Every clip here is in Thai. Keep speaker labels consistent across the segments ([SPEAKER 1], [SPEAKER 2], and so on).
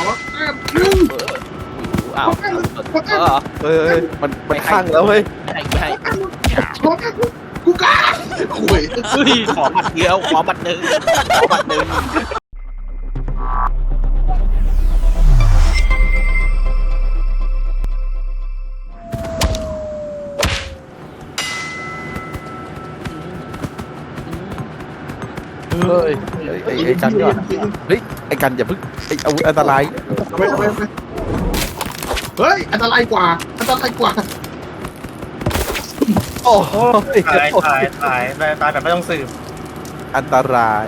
[SPEAKER 1] หนึ่ง
[SPEAKER 2] อ้าวเฮ้ยมันข้างแล้วเฮ้ย
[SPEAKER 3] ไม่ให้
[SPEAKER 1] ขอกูกล้าโอ้ย
[SPEAKER 3] เฮ้ยขอบัตรเดียวขอบัตรหนึ่งขอบัตรหนึ่ง
[SPEAKER 2] เฮ้ยไอ้กันก่อนเฮ้ยไอ้กันอย่าพึ่งไอ้อาวุธอันตราย
[SPEAKER 1] ไปเฮ้ยอันตรายกว่า
[SPEAKER 2] โอ้โห
[SPEAKER 4] ตายแบบไม่ต้องสืบ
[SPEAKER 2] อันตราย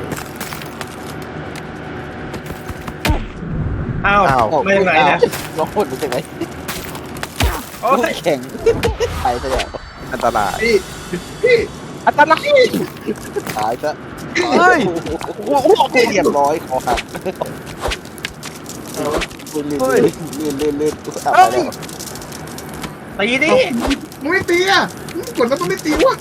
[SPEAKER 4] อ้าว
[SPEAKER 2] อ้าว
[SPEAKER 4] ไม่ยังไงเนี่ย
[SPEAKER 5] ลองพูดดูสิไหม
[SPEAKER 4] โอ้ย
[SPEAKER 5] แข็งตายซะแล้ว
[SPEAKER 2] อันตราย
[SPEAKER 1] พี่
[SPEAKER 2] อันตราย
[SPEAKER 5] ตายซะ
[SPEAKER 2] เฮ้ย
[SPEAKER 5] โอ้โหเรียบร้อยคอหักลื่นตายแล้ว
[SPEAKER 4] ตีดิ
[SPEAKER 1] มึงไม่ตีอ่ะกดมันต้องไม่ตีวะ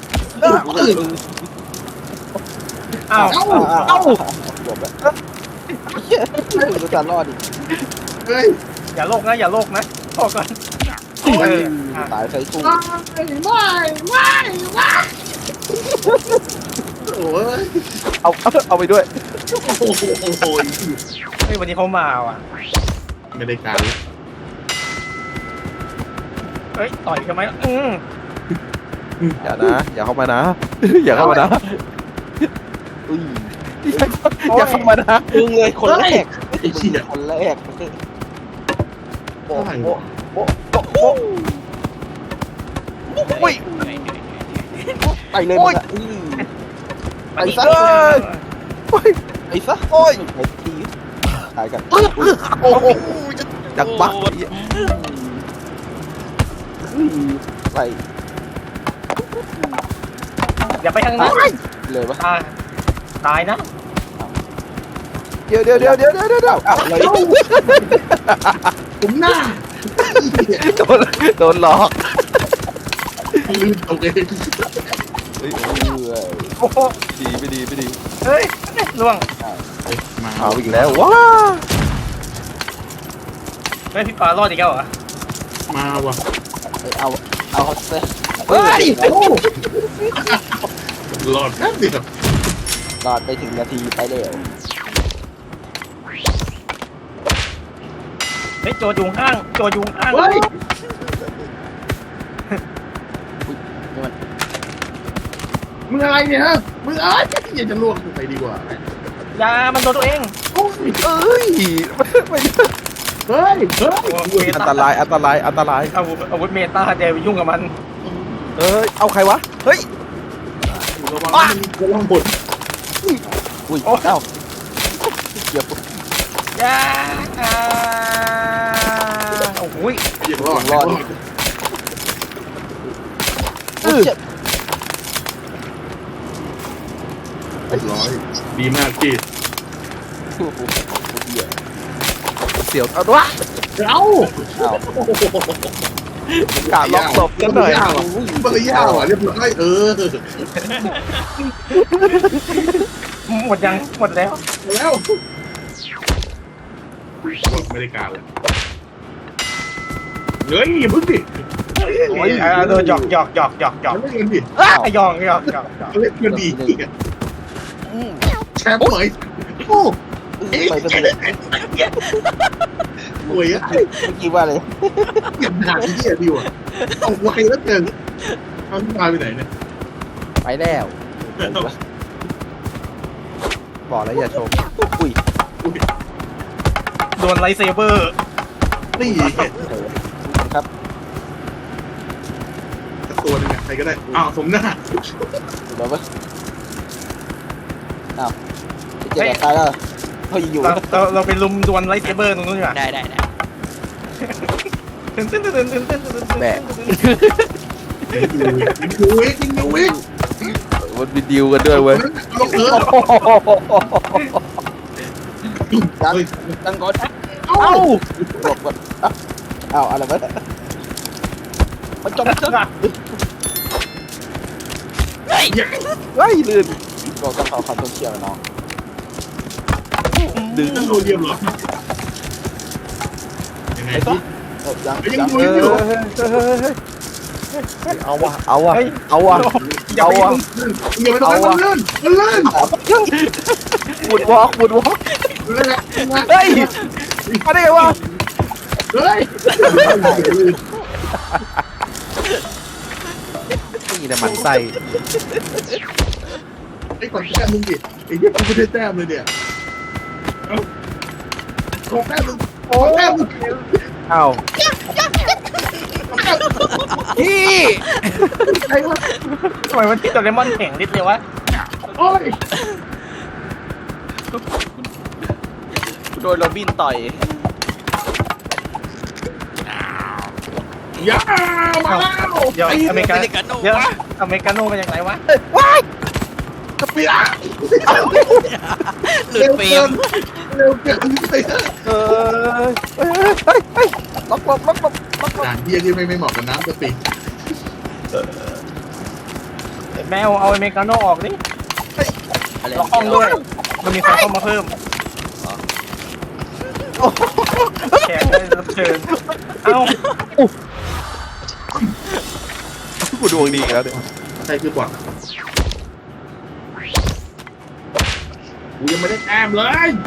[SPEAKER 4] อ้าว
[SPEAKER 5] จบแล้วดูการรอดดิ
[SPEAKER 1] เฮ้ย
[SPEAKER 4] อย่าโลกนะพอก่อน
[SPEAKER 5] ตายใส่ตู้
[SPEAKER 1] ไม่โอ้ย
[SPEAKER 2] เอาไปด้วย
[SPEAKER 1] โอ้ย
[SPEAKER 4] เฮ้ยวันนี้เขามาว่ะ
[SPEAKER 1] ไม่ได้การแล้ว
[SPEAKER 4] เฮ้ยต่อยกันไหม
[SPEAKER 2] อย่านะอย่าเข้ามานะอย่าเข้ามานะ
[SPEAKER 5] อุ้ย
[SPEAKER 2] อย่าเข้ามานะ
[SPEAKER 5] มึงเลยคนแรก
[SPEAKER 1] ไอ้เชี่ย
[SPEAKER 5] คนแรกโอ้โห
[SPEAKER 2] อุ้ย
[SPEAKER 5] ไปเลยไปซะ
[SPEAKER 2] โอ้ย
[SPEAKER 5] ไปซะ
[SPEAKER 2] โอ้ย
[SPEAKER 5] ไปทีตายกัน
[SPEAKER 2] โอ้โหจังบัก
[SPEAKER 5] ไป
[SPEAKER 4] อย่าไปทางนั้น
[SPEAKER 5] เลยวะ
[SPEAKER 4] ตายนะ
[SPEAKER 2] เดี๋ยว
[SPEAKER 5] อะไร
[SPEAKER 1] ผมหน้า
[SPEAKER 2] โดนหลอก
[SPEAKER 1] ลืมตัวเอง
[SPEAKER 4] โอ้โห
[SPEAKER 2] ไม่ดี
[SPEAKER 4] เฮ้ยล่วง
[SPEAKER 1] มา
[SPEAKER 2] เอาอีกแล้วว้า
[SPEAKER 4] เฮ้ยพี่ปลารอดอีกแล้วเหรอ
[SPEAKER 1] มาว่ะ
[SPEAKER 5] เอาเซ่
[SPEAKER 2] เฮ้ย
[SPEAKER 1] หลอดแป๊บเดียว
[SPEAKER 5] รอดไปถึงนาทีไปแล้ว
[SPEAKER 4] เฮ้ยโจยุงข้าง
[SPEAKER 1] เฮ้ยมึงอะไรเนี่ยฮะมึงอะไรอยากจะลวกไปดีกว่า
[SPEAKER 4] อย่ามันโดนตัวเอง
[SPEAKER 1] โอ้ย
[SPEAKER 2] เอ้ยไม่
[SPEAKER 1] เฮ้ย
[SPEAKER 2] อันตราย
[SPEAKER 4] อาวุธเมตาเดี๋ยวยุ่งกับมัน
[SPEAKER 2] เอ้ยเอาใครวะเฮ้ย
[SPEAKER 1] ระวังมันมีกระลังบด
[SPEAKER 5] อุ้ยเอ้าเกี่ยว
[SPEAKER 4] อย่าโอ้โห
[SPEAKER 1] อย่ารอด
[SPEAKER 5] รอด
[SPEAKER 1] เรียบร้อยดีมากพี่
[SPEAKER 2] เสียวเอาด้วย
[SPEAKER 1] เอ้า
[SPEAKER 2] กาล็อกศพกันหน่อย
[SPEAKER 1] เบอร์ยาวอ่ะเรียบร้อย
[SPEAKER 4] หมดยังหมดแล้ว
[SPEAKER 1] แล้วไม่ได้การเลยเฮ้ยพึ่งดิ
[SPEAKER 4] โดนหยอก
[SPEAKER 1] ไม่เงินดิ
[SPEAKER 4] หยอก
[SPEAKER 1] เล่นเงินดีแชมป์เหมยโอ้
[SPEAKER 5] ไปซะเลย
[SPEAKER 1] รวยอ่ะ
[SPEAKER 5] เมื่อกี้ว่าเลย
[SPEAKER 1] เก็บหนักที่ดีว่ะเอาไวแล้วเกินเอาที่มาไปไหนเนี่ย
[SPEAKER 2] ไปแล้วบอกแล้วอย่าชม
[SPEAKER 5] อุ้ย
[SPEAKER 4] โดนไลท์เซเบอร์
[SPEAKER 1] นี่
[SPEAKER 5] ครับ
[SPEAKER 1] ตัวนึงใครก็ได้อ้าวสมหน้า
[SPEAKER 5] เดี๋ยววะอ้าวเจ๊ตายแล้วเขาอยู่
[SPEAKER 4] เราไปลุมดวลไลท์เซเบอร์ตรงนู้นดีกว่า
[SPEAKER 3] ได้
[SPEAKER 2] แบก
[SPEAKER 1] ดูวิกดูวิก
[SPEAKER 2] มันมีดิวกันด้วยเว้ย
[SPEAKER 1] ลงเออ
[SPEAKER 5] ตั้งก่อน
[SPEAKER 1] เอ้า
[SPEAKER 5] บอกก่อนอ้าวอะไรวะมันจมซะ
[SPEAKER 2] เฮ้ยลื่น
[SPEAKER 5] บอกต้องขอความต้องเชี่ยวน้อง
[SPEAKER 2] ดึง
[SPEAKER 1] นั่งโดนเดียมเหรอไอ้ที่
[SPEAKER 5] ยัง
[SPEAKER 1] ยังดูอยู่
[SPEAKER 2] เอาวะเอาวะ
[SPEAKER 4] เฮ้ย
[SPEAKER 2] เอาวะ
[SPEAKER 4] อย่า
[SPEAKER 2] เอา
[SPEAKER 4] ไป
[SPEAKER 2] วะ
[SPEAKER 1] อย่าไปตรงนั้นมันลื่นมันลื่น
[SPEAKER 2] บุดวอล์กบุดวอล์ก
[SPEAKER 1] ลื่นแหละ
[SPEAKER 2] เฮ้ยมาได้ไงวะ
[SPEAKER 1] เฮ้ย
[SPEAKER 2] นี่แต่มันไส้
[SPEAKER 1] ไอ้ก่อนแต้มมึงดิไอ้เหี้ยกูไม่ได้แต้มเลยเนี่ยขอแต้มมึงขอแต้มมึง
[SPEAKER 2] อ้าวพี่
[SPEAKER 1] ใครวะ
[SPEAKER 4] ทำไมมันที่โดเรมอนแข็งนิดเดียววะ
[SPEAKER 1] โอ้ย
[SPEAKER 3] โดนโรบินต่อย
[SPEAKER 1] อย่ามาแล้ว
[SPEAKER 4] เดี๋ยวอเมริกา
[SPEAKER 3] เมริกาโน่
[SPEAKER 4] เดี๋ยว
[SPEAKER 3] วะ
[SPEAKER 4] อเมริกาโน่มาจากไหนวะ
[SPEAKER 2] ว้าย
[SPEAKER 1] กระเปีย
[SPEAKER 3] หลุดเฟรม
[SPEAKER 1] เร็วเกินไป
[SPEAKER 2] เฮ้ยล็อกล็อกล็อกล็อกล็อก
[SPEAKER 1] ด่านเหี้ยที่ไม่เหมาะกับน้ำกะปิ
[SPEAKER 4] แมวเอาอเมริกาโน่ออกดิ
[SPEAKER 3] อะไร
[SPEAKER 4] ล็อกห้องด้วยมันมีใครเข้ามาเพิ่มแขกได้รับเชิญเอ้า
[SPEAKER 2] กูดวงดีแล้วเนี่ย
[SPEAKER 1] ใครคือบอทกูยังไม่ได้แต้มเลย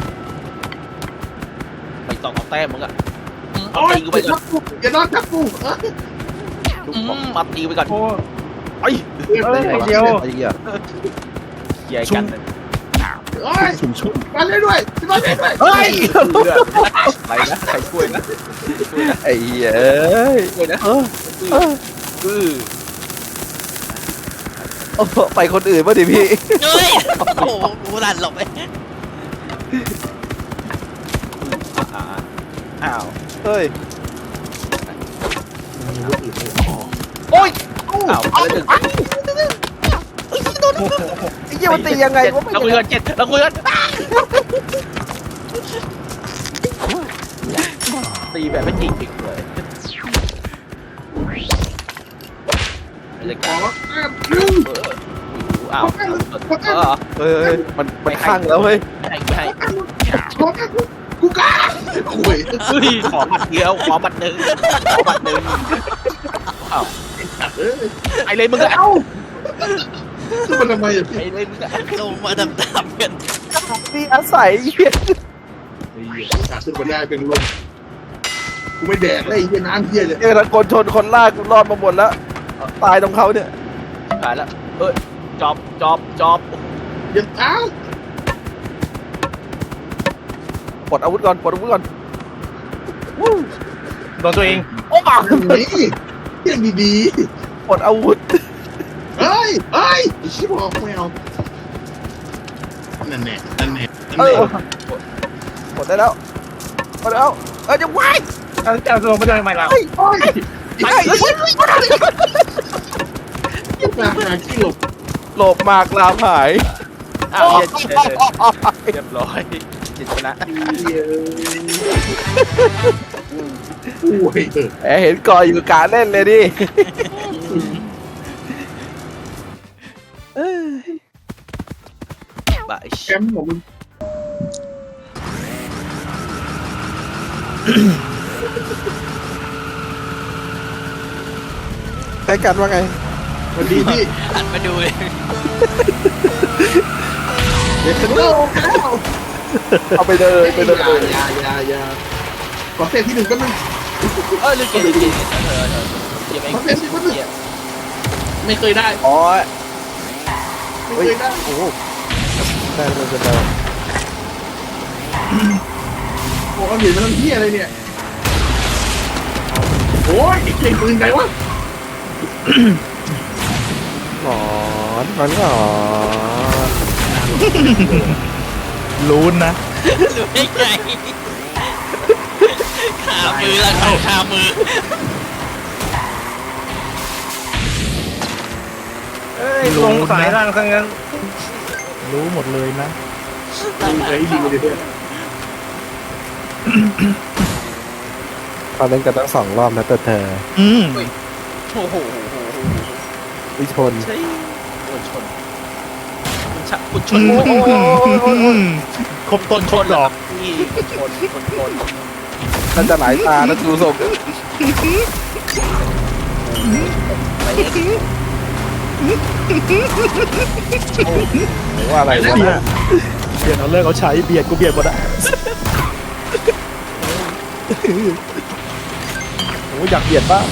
[SPEAKER 3] ไปต่อเอาแต้มมึงอะเอา
[SPEAKER 1] โอ้ย
[SPEAKER 3] ตีกูไปก่อน
[SPEAKER 1] อย่านอนทับกูเออ
[SPEAKER 3] มาตีกูไปก่อน
[SPEAKER 4] โอ้
[SPEAKER 3] ไอ้
[SPEAKER 4] เอ้ยเดี๋ยว
[SPEAKER 2] ไอ้เหี้ย
[SPEAKER 3] เหี้ยกัน
[SPEAKER 1] โอ้ยมาเล่นด้วยมาเล่นด้วย
[SPEAKER 2] เฮ้ย
[SPEAKER 3] อะไรนะใครช่วยนะ
[SPEAKER 2] ไอ้เหี้ยเอ้ย
[SPEAKER 3] ช่วยนะ คือ
[SPEAKER 2] โอ้โหไปคนอื่นป่ะดิพี่
[SPEAKER 3] เฮ้ยโอ้โหกูดันหลบไปอ้าว
[SPEAKER 2] เฮ้ย
[SPEAKER 3] โอ้ยอ้าวอะไรหนึ่ง
[SPEAKER 2] ไอ้เหี้ยมันตียังไงวะ
[SPEAKER 3] เราคุยกัน7เราคุยกันตีแบบไม่จริงจริงเลยอะไร
[SPEAKER 1] ข
[SPEAKER 3] กั
[SPEAKER 1] อน แต้มหนึ่ง
[SPEAKER 3] อ้าว
[SPEAKER 2] เฮ้ยมันข้างแล้วเฮ้ย
[SPEAKER 3] ไม่ให้
[SPEAKER 1] ขอแต้มกูกล้าคุย
[SPEAKER 3] เฮ้ยขอบัตรเดียวขอบัตรหนึ่งขอบัตรหนึ่งอ้าว
[SPEAKER 1] เออ
[SPEAKER 3] ไอเลยมึงอะ
[SPEAKER 1] เอ้าขึ้นมาทำไมอ่ะพี่
[SPEAKER 3] ไอเลยมึงอะลงมาดำๆกัน
[SPEAKER 2] นี่อาศัยเหี้ย
[SPEAKER 1] อยากขึ้นมาได้เป็นลมกูไม่แดกเลยไอ้เหี้ยน้ำเหี้ยเลย
[SPEAKER 2] เจอคนชนคนลากกูรอดมาหมดแล้วตายตรงเขาเนี่ย
[SPEAKER 3] หายแล้วจอบ
[SPEAKER 1] อย่าเอ้า
[SPEAKER 2] ปลดอาวุธก่อนปลดอาวุธก่อน
[SPEAKER 4] โดนตัวเอง
[SPEAKER 2] โอ้มา
[SPEAKER 1] นี่เหี้ยดี
[SPEAKER 2] ปลดอาวุธ
[SPEAKER 1] ๆเฮ้ยไอ้ชิบบอกไม่เอานั่นแน่นั่นแน่นั่น
[SPEAKER 2] เอ
[SPEAKER 1] แน่
[SPEAKER 2] อปลดได้แล้วปลดแล้วจะวาย
[SPEAKER 4] จะลงไปด้วยไหมล่ะ
[SPEAKER 2] เฮ้ย
[SPEAKER 1] โอ้ย
[SPEAKER 2] ไอ้เหี้ย
[SPEAKER 1] มาหาที่หลบ
[SPEAKER 2] หลบหมากลามหาย
[SPEAKER 3] อ้าวเรียบร้อยจิตชนะ
[SPEAKER 1] เหี้ยโอ้ย
[SPEAKER 2] แหมเห็นก่ออยู่กะเล่นเลยดิ
[SPEAKER 3] บาย
[SPEAKER 1] แชมป์ของมึง
[SPEAKER 2] ใช้กันว่าไง
[SPEAKER 1] สวัสดีพี่
[SPEAKER 3] หันมาดูเลย
[SPEAKER 1] เด็กกันเล่าแล้ว
[SPEAKER 2] เอาไปเลยไปเลย
[SPEAKER 1] อย่าขอเซตที่หนึ่งก็มัน
[SPEAKER 3] ลืมเกมเกมไอ้ไม่เคยได้
[SPEAKER 2] อ๋อ
[SPEAKER 1] ไม่เคยได้
[SPEAKER 2] โอ้โหได้เลยเป็นแล้ว
[SPEAKER 1] โอ้เอาเหรียญมาทำเหี้ยอะไรเนี่ยโอ้ยเก่งปืนไงวะ
[SPEAKER 2] หงอนมันหงอนรู้นะ
[SPEAKER 3] รู้ได้ไงขามือละขามือ
[SPEAKER 4] เอ้ยลงสายล่างซะงั้น
[SPEAKER 2] รู้หมดเลยนะ
[SPEAKER 1] ไอ้ดีเลยเนี่ย
[SPEAKER 2] ตอนเล่นกันตั้ง2 รอบนะแต่เธอ
[SPEAKER 3] โอ้โห
[SPEAKER 2] วิชน
[SPEAKER 3] ใช่คุณชน
[SPEAKER 2] ครบต้นครบดอก
[SPEAKER 3] นี่คน
[SPEAKER 2] น่าจะหลายตานะดูทรง
[SPEAKER 3] ไปเอ็กซ์
[SPEAKER 2] ว่าอะไรวะเนี่ย
[SPEAKER 5] เบียดเอาเลิกเอาใช้เบียดกูเบียดหมดอะโอ้อยากเบียดบ้าง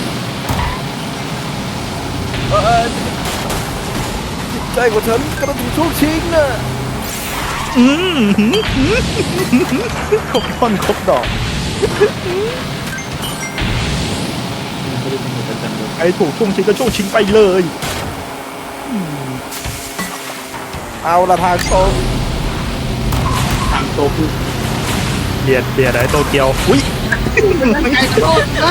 [SPEAKER 2] ใจของฉันกำลังถูกช่วงชิงน่ะ
[SPEAKER 5] ครบท่อนครบดอกไอ้ถูกช่วงชิงก็ช่วงชิงไปเลย
[SPEAKER 2] เอาละทางตรง
[SPEAKER 1] ทางโตคือ
[SPEAKER 5] เบียดไอ้โตเกียวอุ้ย
[SPEAKER 1] ไม่ไงโตได้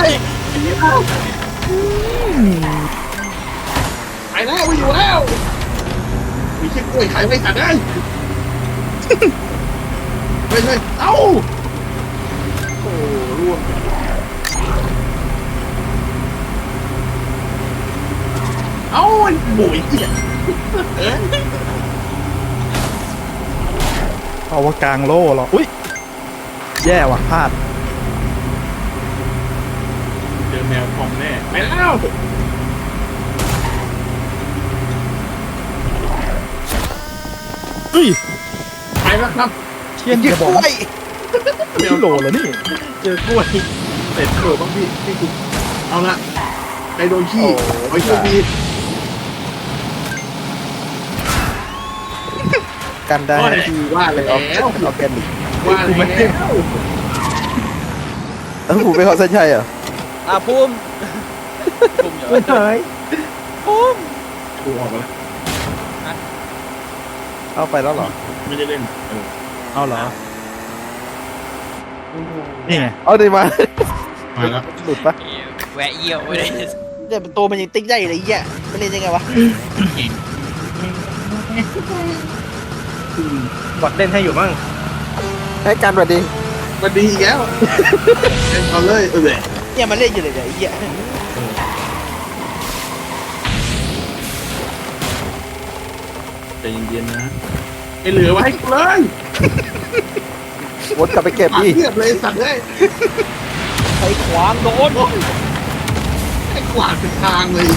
[SPEAKER 1] ไปแล้วไม่อยู่แล้วมีแค่กล้วยขายไม่ขาดได้ไม่เอ้าโอ้ร่วงเอ้าบุ๋ยเอ๊ะ
[SPEAKER 5] เอาว่ากลางโล่เหรออุ้ยแย่ว่ะพลาด
[SPEAKER 1] เจอแมวพองแน่ไปแล้ว
[SPEAKER 5] เฮ้ย
[SPEAKER 1] ไปแล้วครับ
[SPEAKER 5] เทียนจะบอกว่าไม่โหลเหรอนี่
[SPEAKER 1] เจอกล้วยเสร็จเออบ้างพี่คุณเอาละใครโดนขี้ไว้โชคดี
[SPEAKER 2] กันได้
[SPEAKER 1] ที่ว่าแล้ว
[SPEAKER 2] เอาแกนดิ
[SPEAKER 1] ว่าแล้ว
[SPEAKER 2] แล้วผมเป็นของเส้นชัยเหรอ
[SPEAKER 3] ภูมิอยู่
[SPEAKER 5] ไม่หาย
[SPEAKER 1] กูออกมาแล้ว
[SPEAKER 2] เอาไปแล้วเหรอ
[SPEAKER 1] ไม่ได้เล่น
[SPEAKER 5] เอาเหรอนี่ไง
[SPEAKER 2] เอาดีมา
[SPEAKER 1] มาแล้ว
[SPEAKER 2] หลุดปะ
[SPEAKER 3] แวะเยี่ยวไปเลย
[SPEAKER 6] แต่ตัวมันยังติ๊กได้เลยไอ้เหี้ยมันเล่นยังไงวะ
[SPEAKER 4] บอดเล่นให้อยู่มั่ง
[SPEAKER 2] ให้กันสวัสดี
[SPEAKER 1] มันดีอีกแล้วเล่นเอาเลยเออ
[SPEAKER 6] เนี่ยมันเล่นอยู่เลยเนี่ยไอ้เหี้ย
[SPEAKER 1] ใจเย็นๆนะไอเหลือไว้ให้กูเลย
[SPEAKER 2] วนกลับไปเก็บดิ
[SPEAKER 1] เทียบเลยสัตว์เลย
[SPEAKER 6] ใช้ขวางโดน
[SPEAKER 1] ไอ้กวาดเป็นทางเลย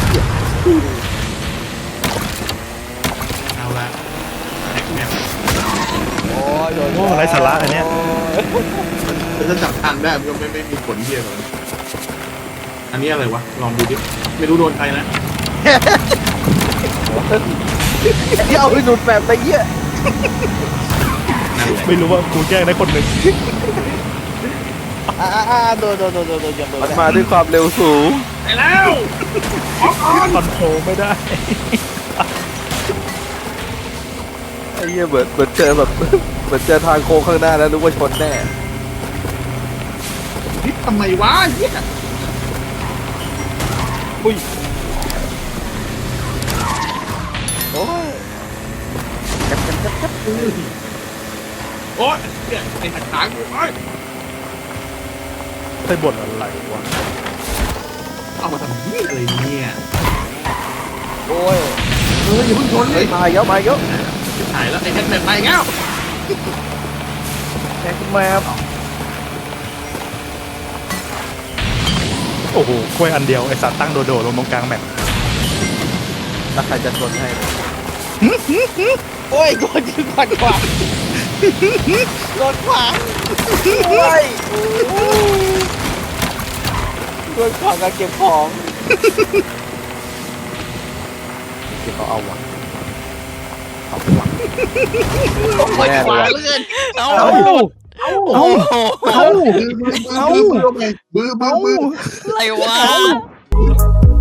[SPEAKER 1] เอาละแม็กแม็ก
[SPEAKER 6] โอ้ยโดน
[SPEAKER 5] โอ้ไรสาระอันเนี้ย
[SPEAKER 1] ถ้าจับทางได้มันก็ไม่มีผลเทียบเลยอันนี้อะไรวะลองดูดิไม่รู้โดนใครนะ
[SPEAKER 2] เดี๋ยวหลุดแบบไปเยี่ย
[SPEAKER 1] นั่นแหละ
[SPEAKER 5] ไม่รู้ว่ากูแกล้งได้คนหนึ่ง
[SPEAKER 6] โดนยังโดน
[SPEAKER 2] มันมาด้วยความเร็วสูง
[SPEAKER 1] ไปแล้วออกก่อน
[SPEAKER 5] คอนโทรลไม่ได้
[SPEAKER 2] ไอ้เหี้ยเหมือนเจอแบบเหมือนเจอทางโค้งข้างหน้าแล้วรู้ว่าชนแน่
[SPEAKER 1] นี่ทำไมวะเหี้ย
[SPEAKER 6] โอ้ย
[SPEAKER 1] โอ๊ยเนี่ยไอ้หัดขางกูโอ๊ย
[SPEAKER 5] ไปบ่นอะไรวะ
[SPEAKER 1] เอามาทำนี่อะไรเนี่ย
[SPEAKER 6] โอ้ย
[SPEAKER 1] อย่าเพิ่งชนเล
[SPEAKER 2] เฮ้ย
[SPEAKER 1] ย
[SPEAKER 2] มาเยอะมาเยอะ
[SPEAKER 1] ถ่ายแล้วไอ้แฮกแมนไปแล้ว
[SPEAKER 2] แกขึ้นมาครับ
[SPEAKER 5] โอ้โหกล้วยอันเดียวไอสัตว์ตั้งโดดๆลงตรงกลางแมป
[SPEAKER 2] แล้วใครจะชนให้
[SPEAKER 6] โอ้ยโดนยืนขวางโดนขวางโอ้ยโดนขวางการเก็บของ
[SPEAKER 2] เดี๋ยวเขาเอาวะ
[SPEAKER 3] โอ้ยขวาเลื่อนเอา
[SPEAKER 5] เอ้า
[SPEAKER 1] เอ้า
[SPEAKER 5] เอ้า
[SPEAKER 1] มืออะไรวะ
[SPEAKER 3] อะไรวะ